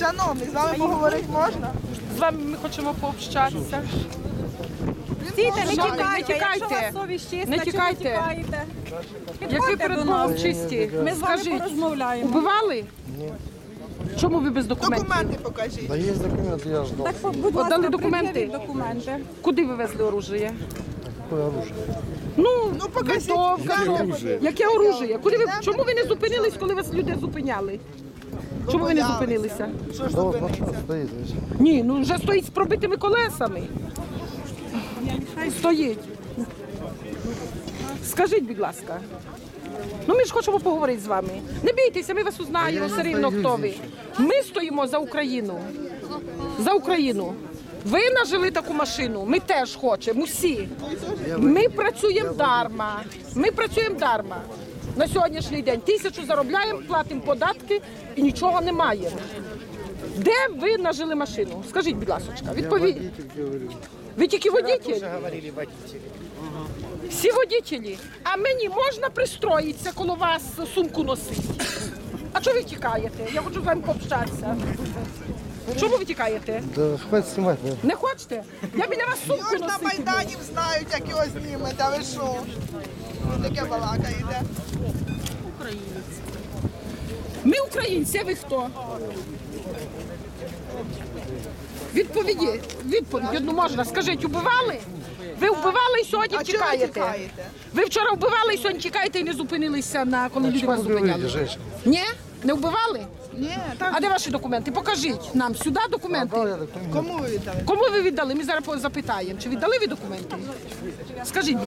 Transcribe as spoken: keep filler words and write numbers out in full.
Шановний, з вами поговорити можна? З вами ми хочемо пообщатися. Стійте, не тікайте, якщо у вас совість чиста, Не чого тікайте. тікаєте? Як ви перед Богом чисті, Ми з вами скажіть, порозмовляємо. убивали? Чому ви без документів? Документи покажіть. Да есть документы, я ждал. Так, будь ласка, Отдали документи? пред'явіть документи. Куди ви везли оружие? Какое оружие? Ну, Ну, покажіть. винтовка. Яке оружие? Яке оружие? Куди ви, чому ви не зупинились, коли вас люди зупиняли? Чому ви не зупинилися? Що ж Да вот зупиниться? машина стоит здесь. Ні, ну вже стоїть з пробитими колесами. Стоїть. Скажіть, будь ласка. Ну ми ж хочемо поговорити з вами. Не бійтеся, ми вас узнаємо все рівно, хто ви. Ми стоїмо за Україну. За Україну. Ви нажили таку машину, ми теж хочемо, усі. Ми працюємо дарма. Ми працюємо дарма. На сьогоднішній день тисячу заробляємо, платимо податки і нічого не маємо. Де ви нажили машину? Скажіть, будь ласка, відповідь. Ви тільки водитель? Всі водителі. А мені можна пристроїтися коло вас сумку носити? А чого ви тікаєте? Я хочу з вами пообщатися. Чому ви тікаєте? Да хватит снимать, наверное. Не хочете? Я біля вас сумку Його ж на носити. Майдані знають, як його знімете, а ви що? Ви таке балакаєте. Ми українці, а ви хто? Відповіді, відповідь одну можна. Скажіть, убивали? Ви вбивали і сьогодні А чого ви тікаєте? тікаєте? Ви вчора вбивали і сьогодні тікаєте і не зупинилися, на коли люди Чего вас вы говорите, зупиняли? женщина? Ні? Не вбивали? Ні, так. А де ваші документи? Покажіть нам сюди документи. Дал я документы. Кому ви віддали? Кому ви віддали? Ми зараз запитаємо, чи віддали ви документи? Скажіть.